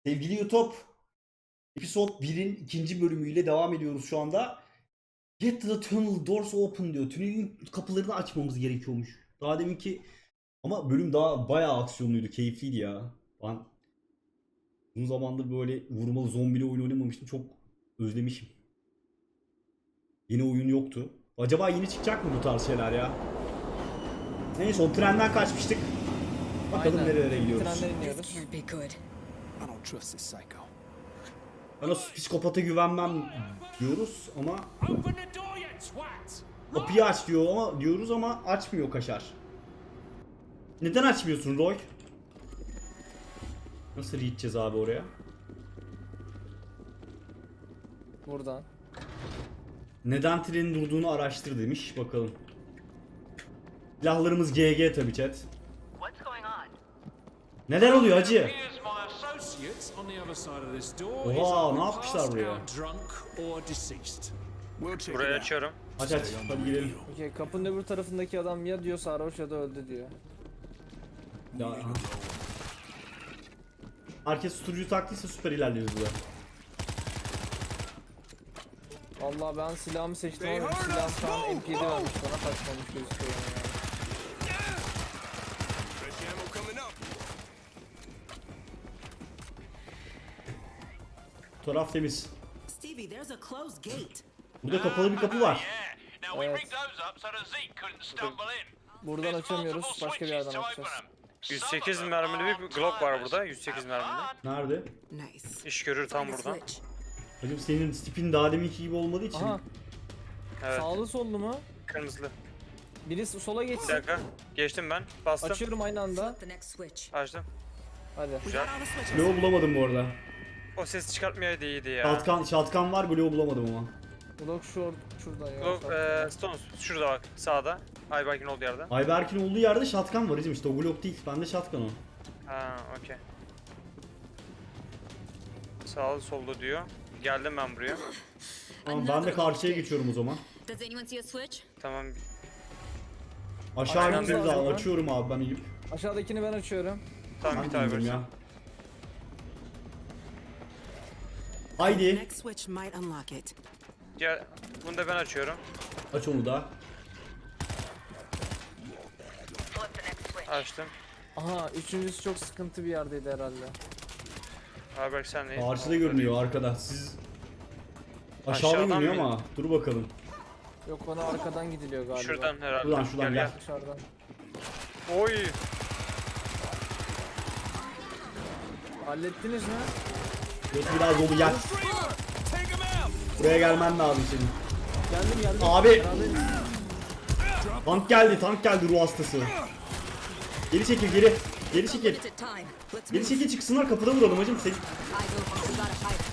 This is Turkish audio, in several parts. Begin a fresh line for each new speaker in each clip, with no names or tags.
Sevgili YouTube, Episode 1'in ikinci bölümüyle devam ediyoruz şu anda. Get the tunnel doors open diyor. Tünelin kapılarını açmamız gerekiyormuş. Daha deminki ama bölüm daha bayağı aksiyonluydu, keyifliydi ya. Ben uzun zamandır böyle vurmalı zombili oyun oynamamıştım. Çok özlemişim. Yeni oyun yoktu. Acaba yeni çıkacak mı bu tarz şeyler ya? Neyse, o trenden kaçmıştık. Bakalım
Aynen.
nerelere gidiyoruz.
Trenden iniyoruz.
This can't be good.
I don't trust this psycho.
Bana psikopata güvenmem diyoruz ama
Open the door, you twat!
kapıyı aç diyoruz ama açmıyor Kaşar. Neden açmıyorsun Roy? Nasıl gideceğiz abi oraya?
Buradan.
Neden trenin durduğunu araştır demiş. Bakalım. Silahlarımız GG tabi chat.
What's going on?
Neler oluyor hacı?
Here's my associates on the other side of this door.
Oha,
Is either
ne yapmışlar
passed
buraya?
out drunk or deceased.
We'll check
Burayı
it out.
açıyorum.
Aç hadi gidelim.
Okey, kapının öbür tarafındaki adam ya diyor sarhoş ya da öldü diyor.
Ya, aha. Herkes susturucu taktıysa süper ilerleriz burada.
Vallahi ben silahımı seçtim ama silah şu an MP7 vermiş bana, kaçmamış gözüküyor yani.
Fresh ammo coming up.
Taraf temiz.
Stevie, there's a closed gate.
Burada kapalı bir kapı var.
Yeah. Now we
Evet.
rigged those up so that Zeke couldn't stumble in.
Buradan açamıyoruz, başka bir yerden açacağız.
108 mermili bir Glock var burada. 108 mermili.
Nerede?
Nice.
İş görür tam
Find a
buradan.
switch.
Hacım senin tipin daha deminki gibi olmadığı için.
Aha,
Evet.
sağlı sollu mu?
Kırmızılı.
Birisi sola
Bir
geçsin.
dakika. Geçtim ben. Bastım.
Açıyorum aynı anda.
The next switch.
Açtım.
Hadi.
Güzel.
On the switches.
Glow bulamadım bu arada.
O ses çıkartmayaydı iyiydi ya.
Shotgun var, Glow bulamadım ama.
Blok şuradan ya.
Glock, Stones şurada bak sağda. Ayberk'in olduğu yerde.
Ayberk'in olduğu yerde shotgun var hacım, işte o Glock değil. Bende shotgun o.
Ha, okey. Sağlı solda diyor. Geldim ben buraya.
Tamam, ben de karşıya geçiyorum o zaman.
Does anyone see a switch?
Tamam.
Aşağı
Aynen.
gittiğimiz zaman
Aynen.
açıyorum abi ben Eyüp.
Aşağıdakini ben açıyorum.
Tamam
Ben
bir
de
tane
indim
versin.
ya. Haydi
Next switch might unlock it.
Gel. Bunu da ben açıyorum.
aç onu da.
Flip the next switch.
Açtım.
Aha, üçüncüsü çok sıkıntı bir yerdeydi herhalde.
Ayberk sen neyin?
Karşıda görünüyor arkada. Siz aşağıda
Aşağıdan
görünüyor
mı?
ama dur bakalım.
Yok, bana arkadan gidiliyor galiba.
Şuradan herhalde.
Şuradan gel.
Dışarıdan.
Oy.
Hallettiniz mi?
Burası biraz dolu, gel. Buraya gelmen lazım senin.
Geldim.
Abi.
Beraberiz.
Tank geldi ruh hastası. Geri çekil geri. Geri çekil.
Limited time. Let's
Geri
move.
çekil, çıksınlar, kapıda vuralım hacım.
Eyes open. We gotta hide.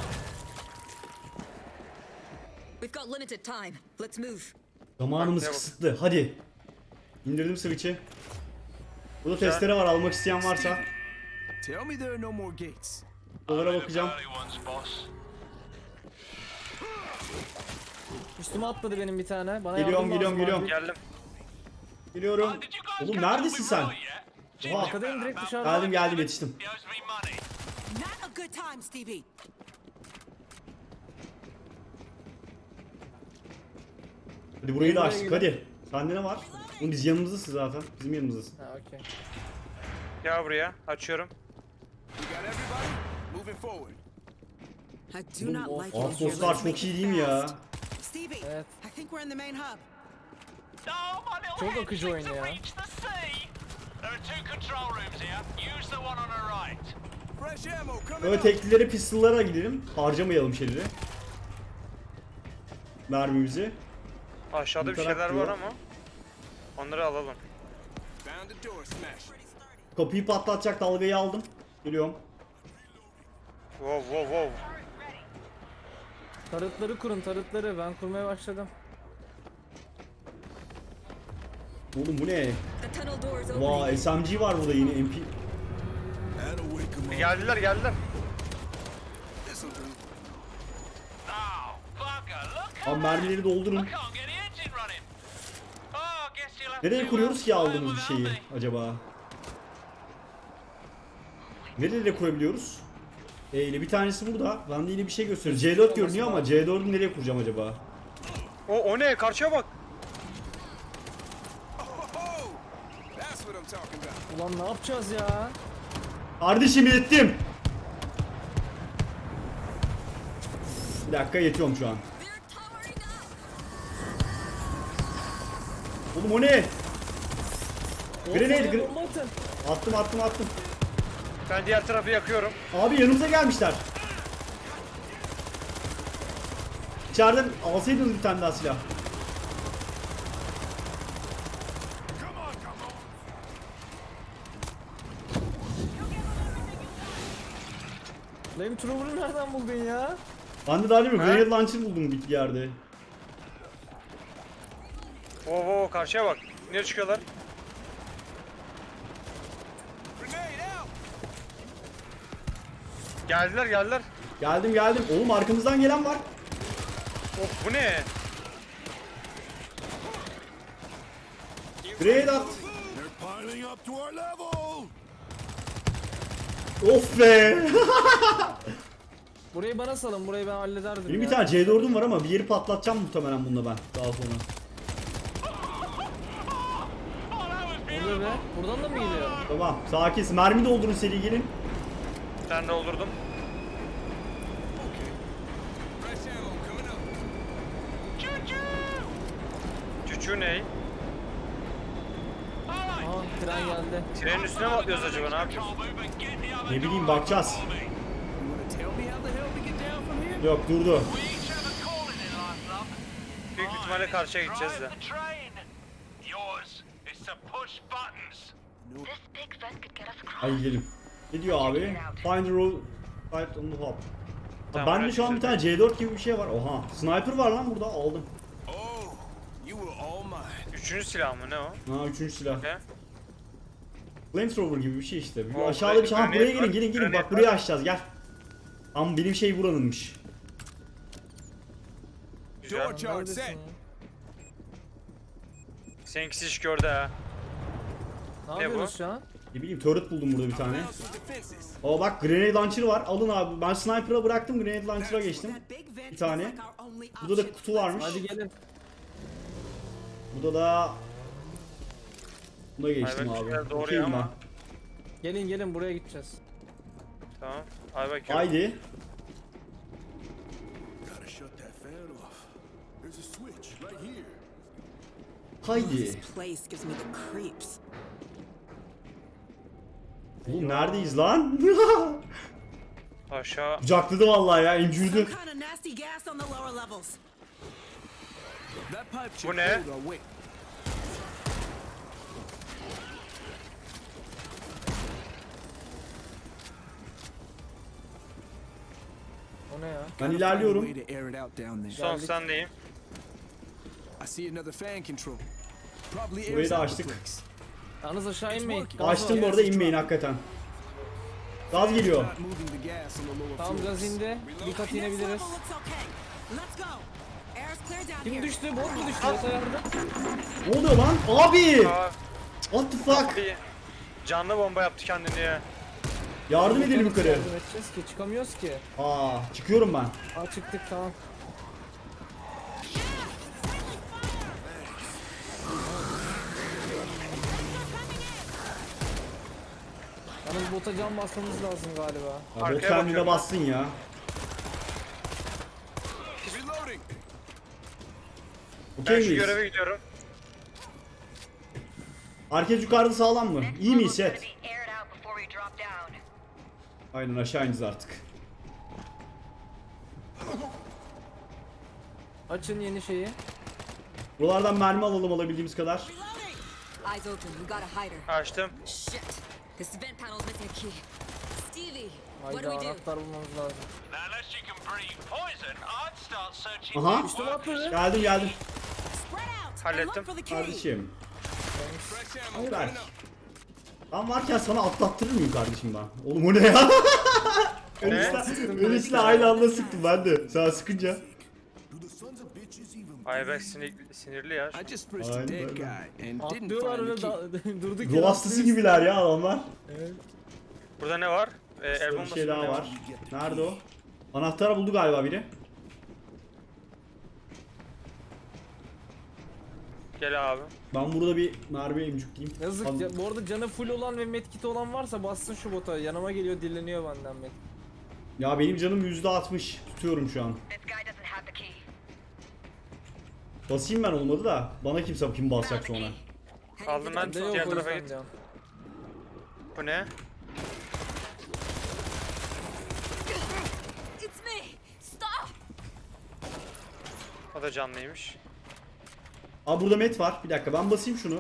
We've got limited time. Let's move.
Zamanımız
Bak,
kısıtlı. Hadi. İndirdim switch'i. Burada testere var, almak isteyen varsa.
Tell me there are no more gates.
Dolara bakacağım.
Üstüme atladı benim bir tane. Bana
Geliyorum,
yardım lazım abi.
Geldim.
Geliyorum. Oğlum neredesin sen? Oha.
Arkadayım, direkt dışarıda.
Geldim yetiştim.
Not a good time, Stevie.
Hadi burayı da
Buraya
açtık,
gidelim.
hadi. Sende ne var? Oğlum biz yanımızdasın zaten. Bizim yanımızdasın.
Ha, okey.
Gel buraya. Açıyorum.
We got everybody moving forward.
I do not like it.
Outpostlar çok iyi değil mi ya?
Stevie,
Evet.
I think we're in the main hub.
Çok akıcı oyun ya.
There are two control rooms here. Use the one on the right.
Fresh ammo coming
Böyle
up.
teklileri, pistollara gidelim. Harcamayalım şeyleri. Mermimizi.
Aşağıda bir
Interak
şeyler
diyor.
var ama. Onları alalım.
Found the door smash.
Kapıyı patlatacak dalgayı aldım. Geliyorum.
Wow.
Tarıtları kurun, tarıtları. Ben kurmaya başladım.
Oğlum bu ne?
The tunnel door is open.
Vay, SMG var burada yine, MP.
That'll wake 'em up.
Geldiler.
This'll do.
Oh, fucker, look.
Abi mermileri doldurun.
Can't get the engine running. Oh, guess you'll have
Nereye
to
kuruyoruz ki
fly
aldığımız bir
without
şeyi
me.
acaba? Nereye kurabiliyoruz? ile bir tanesi burada. Ben de yine bir şey gösteriyor. C4 görünüyor ama C4'ü nereye kuracağım acaba?
O ne? Karşıya bak.
Oh, that's what I'm talking about.
Ulan ne yapacağız ya?
Kardeşim yettim. Bir dakika yetiyorum şu an.
They're towering up.
Oğlum o ne? Grenade,
Bomba atın.
Attım.
Ben diğer tarafı yakıyorum.
Abi yanımıza gelmişler. İçeriden alsaydınız bir tane daha silah.
Flamethrower'ı nereden buldun ya?
Ben de daha değil mi?
Ha?
Grenade launcher buldum bir yerde.
Oo karşıya bak. Nereye çıkıyorlar?
Grenade out.
Geldiler.
Geldim. Oğlum arkamızdan gelen var.
Of bu ne?
Grenade at.
They're piling up to our level.
Of be.
Burayı bana salın, burayı ben hallederdim
Benim
ya.
bir tane C4'üm var ama bir yeri patlatacağım muhtemelen bununla ben daha sonra.
Oluyor be. Buradan da mı geliyor?
Tamam sakin. Mermi doldurun seri gelin.
Ben de doldurdum.
Okay. Fresh ammo coming up.
Çuçu ne?
Aha tren geldi.
Trenin üstüne mi atlıyoruz acaba? Ne yapıyoruz?
Ne bileyim bakacağız.
You wanna tell me how the hell we get down from here?
Yok durdu.
Büyük ihtimalle karşıya gideceğiz de.
This big vent could get us across.
Hadi gidelim. Ne diyor abi? Find the road right on the hop.
Tamam,
Bende şu an bir tane C4 gibi bir şey var. Oha. Sniper var lan burada aldım.
Oh, you were all mine.
Üçüncü silah mı ne o?
Ha üçüncü silah.
Ne?
Flamethrower gibi bir şey işte. Bir
O,
aşağıda bir şey. Ha buraya
grenade
gelin
var,
bak
grenade
buraya
var.
açacağız gel. Ama benim şey buranınmış.
Güzel.
Door charge
Neredesin
set.
ya?
Seninkisi iş gördü ha.
Ne
Ne bu?
yapıyoruz şu an?
Ne bileyim turret buldum burada bir tane.
Found some defenses.
Aa bak grenade launcher var. Alın abi. Ben sniper'a bıraktım grenade launcher'a geçtim.
That big vent
Bir tane.
is like our only
Burada da
option.
kutu varmış.
Hadi gelin.
Burada da buna geçtim
Ayberk
abi.
güzel, doğru
Okeyim
ama.
ben.
Gelin buraya gideceğiz.
Tamam. Ay bak.
Haydi.
Gotta shut that fan off. There's a switch right here.
Haydi.
This place gives me the creeps.
Oğlum neredeyiz lan?
Aşağı.
Kucakladı vallahi ya
Some
incürdü.
kind of nasty gas on the lower levels.
That pipe should
Bu ne?
hold our weight.
O ne ya?
Ben
Gotta find a
ilerliyorum.
way to air it out down there.
Son sendeyim.
I see another fan control. Probably
Burayı
airs
da
out the
açtık.
place.
Yalnız aşağı inmeyin. Gaz
Açtım
var.
bu arada inmeyin hakikaten. Gaz geliyor.
Not moving the gas on the lower
Tamam
floors.
gaz indi. Bir kat
Next
inebiliriz.
level looks okay. Let's go. Air's clear down
Kim
here.
düştü? Bot mu düştü? Yoksa yardım.
Ne oluyor lan? Abi!
Aa,
What the fuck?
bir canlı bomba yaptı kendini ya.
Yardım edelim yukarı.
Yardım edeceğiz ki çıkamıyoruz ki.
Aa, çıkıyorum ben.
Aa çıktık tamam. Yalnız bota can basmamız lazım galiba.
Ya, bot
Arkaya
kendine
bakıyorum.
bassın ya.
Reloading.
Okey
Ben şu
miyiz?
göreve gidiyorum.
Herkes yukarıda sağlam mı? İyi miyiz
Level's
chat?
gonna be aired out before we drop down.
Aynen aşağı ineceğiz artık.
Açın yeni şeyi.
Buralardan mermi alalım alabildiğimiz kadar.
Eyes open. We got a hider.
Açtım.
Shit. This vent panel's missing a key. Stevie, what
Hayda
do we do?
anahtar bulmamız lazım.
Now, unless you can breathe poison, I'd start searching.
Aha.
Üstüme atladı.
Geldim.
Spread out and
Hallettim.
look for the key.
Kardeşim.
Fresh ammo
Hayır
coming
Berk.
up.
Ben varken sana atlattırır mıyım kardeşim ben? Oğlum o ne ya? Öylesine aynı anda sıktım ben de. Sana sıkınca.
Do the sons of bitches even
Ayberk sinirli ya.
I just frisked a
Aynen
dead
öyle.
guy and didn't
Atlıyorlar
find
öyle
the key.
durduk
Ruh hastası gibiler ya adamlar.
Burada ne var? El
Bir
bombası
şey daha
ne
var. Nerede o? Anahtarı buldu galiba biri.
Gel abi.
Ben burada bir mermi emcükleyeyim.
Yazık
Al-
ya. Bu arada canı full olan ve medkit olan varsa bassın şu bota. Yanıma geliyor, dilleniyor benden medkit.
Ya benim canım %60. Tutuyorum şu an.
This guy doesn't have the key.
Basayım ben olmadı da. Bana kimse kim basacak sonra.
Aldım ben.
Bende yok
Diğer
o
tarafa
yüzden
git.
diyorum.
Bu ne?
It's me! Stop!
O da canlıymış.
Aa burada met var. Bir dakika ben basayım şunu.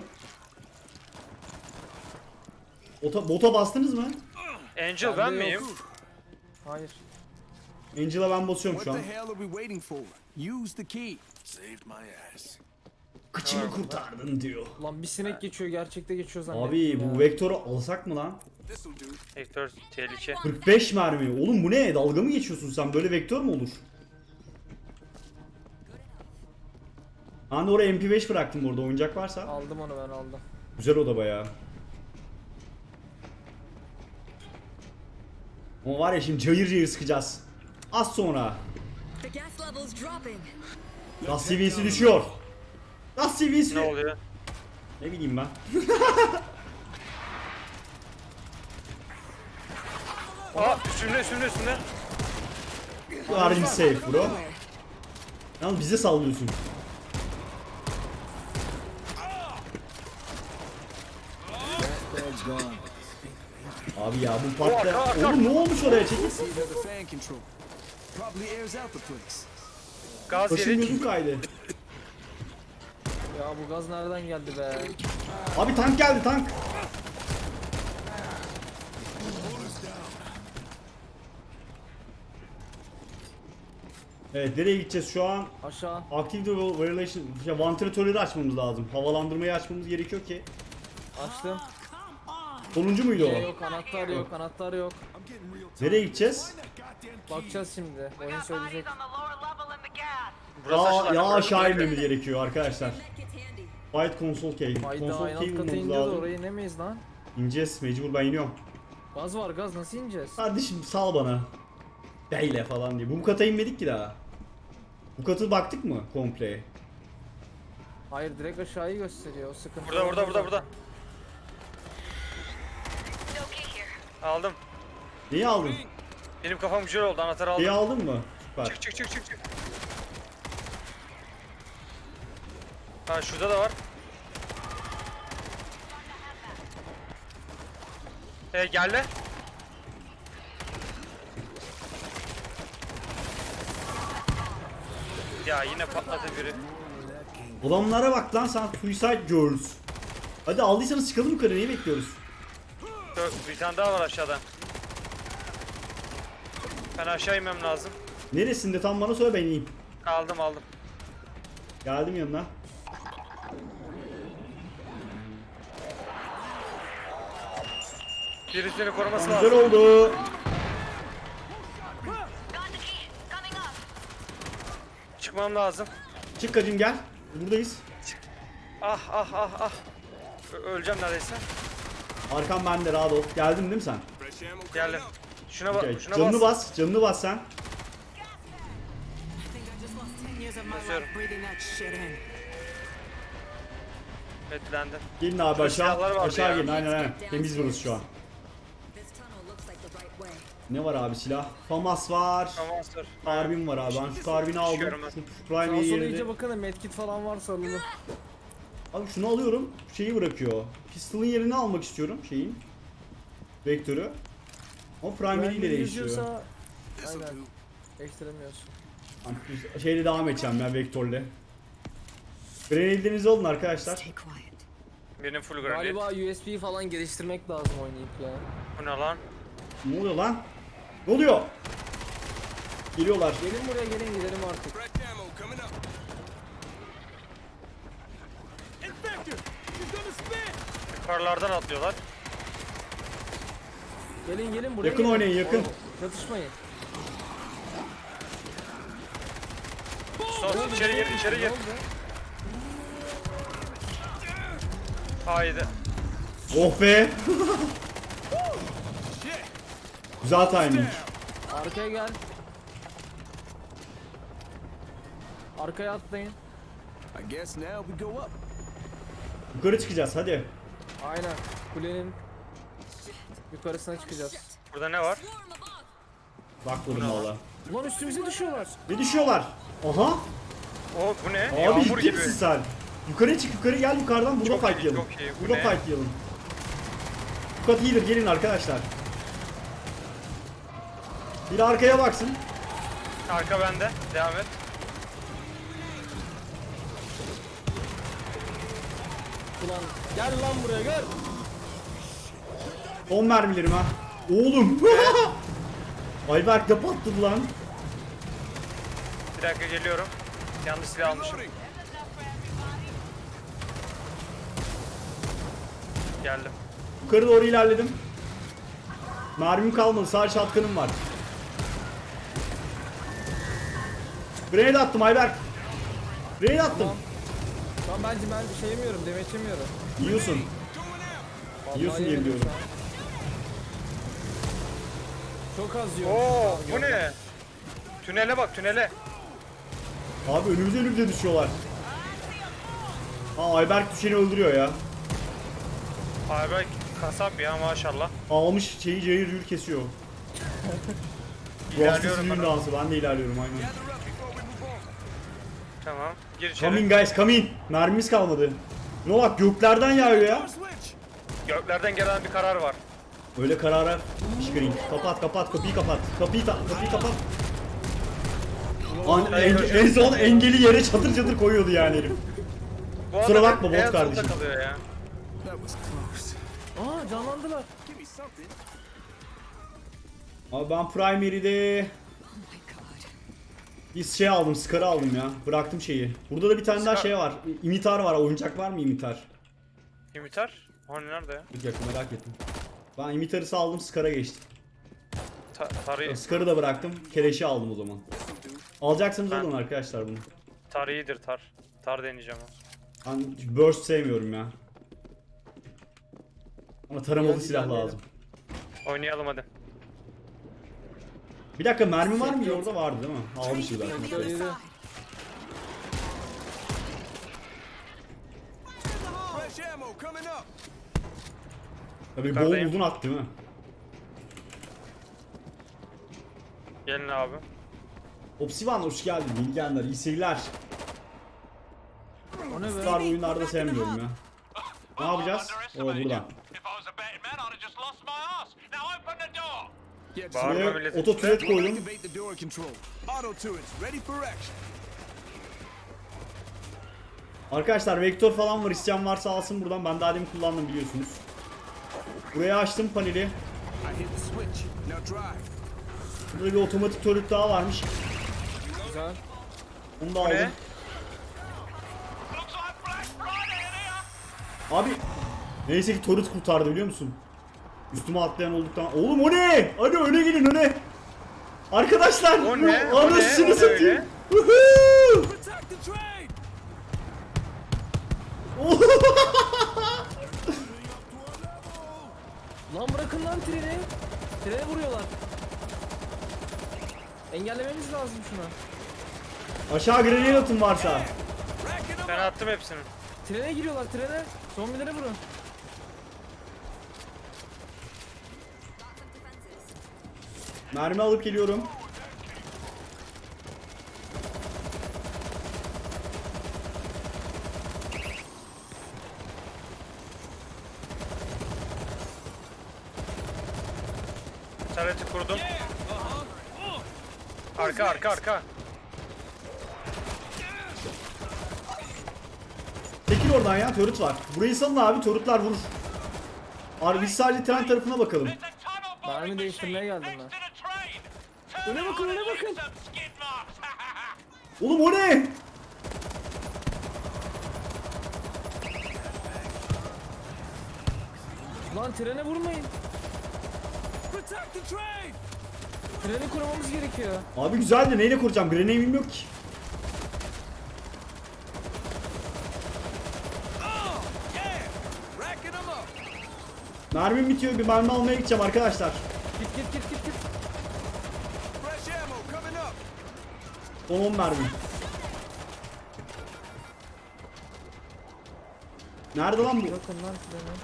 Bota bastınız mı?
Angel ben
Bende
miyim?
yok. Hayır.
Angel'a ben basıyorum şu
What
an.
the hell are we waiting for? Use the key. Saved my ass.
Kıçımı kurtardın diyor.
Lan bir sinek geçiyor, gerçekte geçiyor zannettim
Abi
ya.
bu vektörü alsak mı lan?
This'll do.
Vektör tehlike.
45 mermi. Oğlum bu ne? Dalga mı geçiyorsun sen? Böyle vektör mü olur? Ben de oraya MP5 bıraktım orada oyuncak varsa.
Aldım onu, ben aldım.
Güzel oda bayağı. Ama var ya şimdi cayır cayır sıkacağız. Az sonra.
The gas level's dropping.
Gaz seviyesi düşüyor. Gaz seviyesi.
Ne oluyor?
Ne bileyim ben.
Aa üstümde.
You are in safe bro. Yalnız bize sallıyorsun.
Bag's gone.
Abi ya bu patla.
arka.
Oğlum ne olmuş oraya çekil.
See another fan control. Probably airs out the place.
Gaz
Başım
yedik.
gözüm kaydı.
Ya bu gaz nereden geldi be?
Abi tank geldi tank. Evet nereye gideceğiz şu an?
Aşağı.
Active Variation, vantilatörleri açmamız lazım. Havalandırmayı açmamız gerekiyor ki.
Açtım.
Sonuncu muydu
Şey
o?
yok, anahtar yok, anahtar yok.
Nereye gideceğiz?
Bakacağız şimdi.
We
Oyun
got
söyleyecek.
bodies on the lower level in the gas.
Burası
Ya
açılan.
aşağı inmemiz gerekiyor arkadaşlar.
Medkit's handy.
Fight console key.
Hayda,
Console
aynı
key
alt kata
bulmamız
iniyor da
lazım.
oraya inemeyiz lan.
İneceğiz mecbur ben iniyorum.
Gaz var, gaz nasıl ineceğiz?
Kardeşim sal bana. Beyle falan diye. Bu kata inmedik ki daha. Bu katı baktık mı komple?
Hayır, direkt aşağıyı gösteriyor. O sıkıntı.
Burada.
No key here.
Aldım.
Neyi aldın?
Benim kafam güzel oldu. Anahtarı
Neyi
aldım.
aldın mı? Süper.
Çık. Ha şurada da var. Geldi. Ya yine patladı biri.
Adamlara bak lan sen Suicide Girls. Hadi aldıysanız çıkalım yukarı neyi bekliyoruz?
Bir tane daha var aşağıda. Ben aşağı inmem lazım.
Neresinde tam bana söyle ben ineyim.
Aldım.
Geldim yanına.
Birisini koruması
Güzel
lazım.
oldu.
Got the key. Coming up.
Çıkmam lazım.
Çık kacım gel. Buradayız.
Ah. Öleceğim neredeyse.
Arkam bende rahat ol. Geldin değil mi sen?
Fresh ammo coming
Geldim.
up.
Şuna bak.
Okay.
Şuna
Canını
bas.
bas. Canını bas sen.
I think I just lost 10 years of my
Basıyorum.
life breathing that shit in.
Etlendi.
Gelin abi
Şurada
aşağı.
silahlar vardı
Aşağı
ya.
gelin aynen. Temiz burası şu an.
This tunnel looks like the right way.
Ne var abi silah? FAMAS var.
Tamam sır.
Karbin var abi. Ben şu karbini aldım.
Çıkıyorum ben.
Şu
Sağa
primary
sola
yerine.
iyice bakın da medkit falan varsa alalım.
Abi şunu alıyorum. Şeyi bırakıyor. Pistol'ın yerini almak istiyorum şeyin. Vektörü. Ama primary ile değişiyor.
Yüzüyorsa...
This'll
Aynen.
do.
Ekstremiyorsun.
Şeyle devam edeceğim ya vektörle. Grenade'lerinizi alın arkadaşlar.
Stay quiet.
Benim full granit.
Galiba USB falan geliştirmek lazım oynayıp ya.
Bu ne lan?
Ne oluyor lan? Ne oluyor? Geliyorlar.
Gelin buraya, gelin gidelim artık.
Fresh ammo coming up. Infector! He's gonna spin!
Yukarılardan atlıyorlar.
Gelin buraya.
Yakın
gelin.
oynayın, yakın.
Oğlum, çatışmayın.
Sos içeri gir.
Ne oldu?
Oh be.
Shit!
Güzel timing.
Arkaya gel. Arkaya atlayın.
I guess now we go up.
Yukarı çıkacağız hadi.
Aynen. Kulenin yukarısına çıkacağız.
Burada ne var?
Swarm above.
Bakmadım valla.
Ulan üstümüze düşüyorlar.
Ne düşüyorlar? Aha.
O bu ne?
Abi
Yağmur
ciddi
gibi.
misin sen? Yukarı çık, yukarı gel, yukarıdan burada
Çok iyi,
fightlayalım.
çok iyi. Bu
Burada
ne?
fightlayalım. Bu kat iyidir, gelin arkadaşlar. Biri arkaya baksın.
Arka bende. Devam et.
Ulan gel lan buraya gel.
Son mermilerim ha. Oğlum. Ayberk de patladı lan.
Bir dakika geliyorum. Yanlış silah almışım.
Reloading.
Geldim.
Yukarı doğru ilerledim. Mermim kalmadı, sadece shotgun'ım var. Grenade attım Ayberk. Grenade attım.
Tamam. Tamam ben bir şey yemiyorum, demeç yemiyorum.
Yiyorsun.
Vallahi
Yiyorsun diye
yemedim
biliyorum.
şu an. Çok az yiyorum.
Oo
Tamam,
bu ne? Tünele bak tünele.
Abi önümüze düşüyorlar. Aa Ayberk düşeni öldürüyor ya.
Abi bak kasap ya maşallah.
Almış şeyi cayır cayır kesiyor. Bu
İlerliyorum
düğün
ben.
dansı, ben de ilerliyorum aynen.
Gather up before we move on.
Tamam. Gir içeri.
Come in guys, come in. Mermimiz kalmadı. Ne bak göklerden yağıyor ya.
Door switch.
Göklerden gelen bir karar var.
Öyle karara çıkarayım. Kapat kapıyı kapat. Kapıyı kapat. En son engeli yere çatır çatır koyuyordu yani herif.
Bu
Kusura
adam
bakma,
hep
bot
en solda
kardeşim.
kalıyor ya.
That was close.
Aa canlandılar.
Give me something.
Abi ben primary'de
Oh my god.
bir şey aldım, Scar'ı aldım ya. Bıraktım şeyi. Burada da bir tane daha
Scar.
şey var. İmitar var. Oyuncak var mı imitar?
İmitar? Hani nerede ya?
Bir dakika merak ettim. Ben imitarı saldım, Scar'a geçtim.
Tarih.
Scar'ı da bıraktım. Keleşi aldım o zaman. Alacaksınız
Ben-
alın arkadaşlar bunu.
Tar iyidir tar. Tar deneyeceğim o.
Ben burst sevmiyorum ya. Ama taramalı
Hadi
silah
ilerleyelim.
lazım.
Oynayalım hadi.
Bir dakika mermi var mı? Orada vardı değil mi? Almışız zaten.
On the other
Söyledi.
side.
Fresh ammo coming up.
Tabii bol
Yukarıdayım.
uzun at değil mi?
Gelin abi.
Opsivan hoş geldin. Bilgenler, iyi seyirler.
O ne be?
Star oyunlarda sevmiyorum ya. Ne yapacağız? O
Underestimated
buradan.
you. If I was a betting man, I'd have just lost my ass. Now open the door.
Get
Bağırma
Buraya
milletin
oto
içine.
turret koydum.
Activate the door control. Auto turrets ready for action.
Arkadaşlar vektör falan var. İsteyen varsa alsın buradan. Ben daha demin kullandım biliyorsunuz. Buraya açtım paneli.
I hit the switch. Now drive.
Burada bir otomatik turret daha varmış.
Güzel.
Onu da
Bu
aldım.
ne?
Looks like Black Friday in here.
Abi neyse ki turret kurtardı biliyor musun? Üstüme atlayan olduktan... Oğlum o ne? Hadi öne gelin öne. Arkadaşlar.
O ne? O ne?
Anasını
O ne
satayım.
öyle?
Woohoo!
Protect the train.
Lan bırakın lan treni. Trene vuruyorlar. Engellememiz lazım şunu.
Aşağı grenade atın varsa.
Racking them
Ben attım hepsini.
Trene giriyorlar trene. Zombilere vurun.
Mermi alıp geliyorum.
Tareti kurdum. Arka.
Çekil oradan ya, turret var. Burayı salın abi, turretlar vurur. Abi biz sadece tren tarafına bakalım.
There's a tunnel
Mermi
boring
değiştirmeye
machine
geldim
next
ben.
to the train. Turn
Öne
it
bakın,
on
öne
and leave
bakın.
some skid marks.
Oğlum o ne?
Lan trene vurmayın.
Protect the train.
Treni korumamız gerekiyor.
Abi güzel de neyle kuracağım? Grenade'im yok ki.
Oh, yeah. Racking them up.
Mermim bitiyor, bir mermi almaya gideceğim arkadaşlar.
Git Git.
Fresh ammo coming up.
Son 10 mermi. Nerede lan bu?
Bakın lan treni.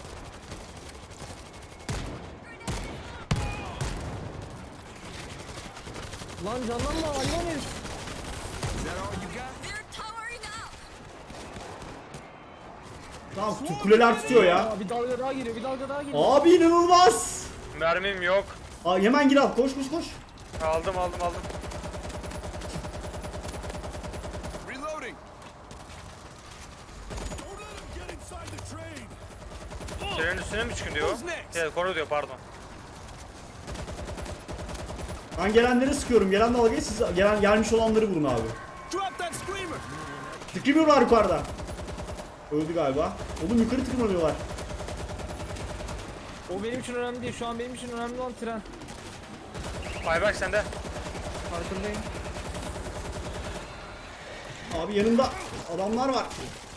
Lan canlanma hayvan herif.
Is that all you got?
They're towering up.
Tamam kuleler tutuyor ya.
Aa, bir dalga daha geliyor.
Abi inanılmaz.
Mermim yok.
Aa, hemen gir al. Koş.
Aldım.
Reloading. Don't let him get inside the train.
Trenin üstüne mi çıkın diyor?
Who's next?
Evet, koru diyor, pardon.
Ben gelenleri sıkıyorum. Gelen dalgayı siz gelmiş olanları vurun abi.
Drop that screamer.
Tıklamıyorlar yukarıda. Öldü galiba. Oğlum yukarı tıklanıyorlar.
O benim için önemli değil. Şu an benim için önemli olan tren.
Ayberk sende.
Farkındayım.
Abi yanında adamlar var.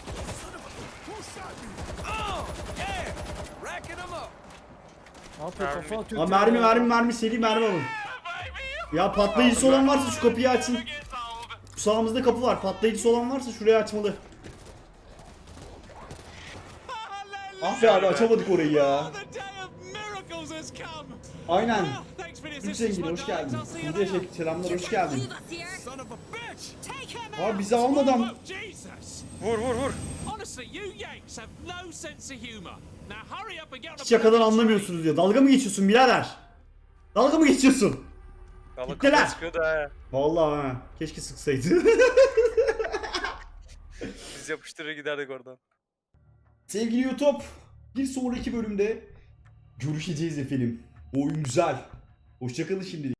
Oh, yeah. Racking them up.
Ne yapıyor?
Mermi.
Kafa atıyor.
Abi
trene.
mermi seri mermi alın. Ya patlayıcısı olan varsa şu kapıyı açın. Şu sağımızda kapı var. Patlayıcısı olan varsa şurayı açmalı. Ah be abi açamadık orayı ya.
The day of miracles has come.
Aynen.
Thanks for the
Türk
assistance,
zengini
my
hoş
darlings.
geldin.
I'll see you
Size
later.
selamlar hoş
Leave
geldin.
us here.
Son of a bitch.
Take him
Abi
out.
bizi almadan.
Oh, Jesus.
Vur.
Honestly, you Yanks have no sense of humor. Now hurry up and get on
Hiç
the
yakadan
bloody
anlamıyorsunuz diyor. Dalga mı geçiyorsun birader? Dalga mı geçiyorsun?
Balık
Gittiler.
kafa sıkıyordu ha.
Vallahi ha. Keşke sıksaydı.
Biz yapıştırır giderdik oradan.
Sevgili YouTube, bir sonraki bölümde görüşeceğiz efendim. Bu oyun güzel. Hoşçakalın şimdilik.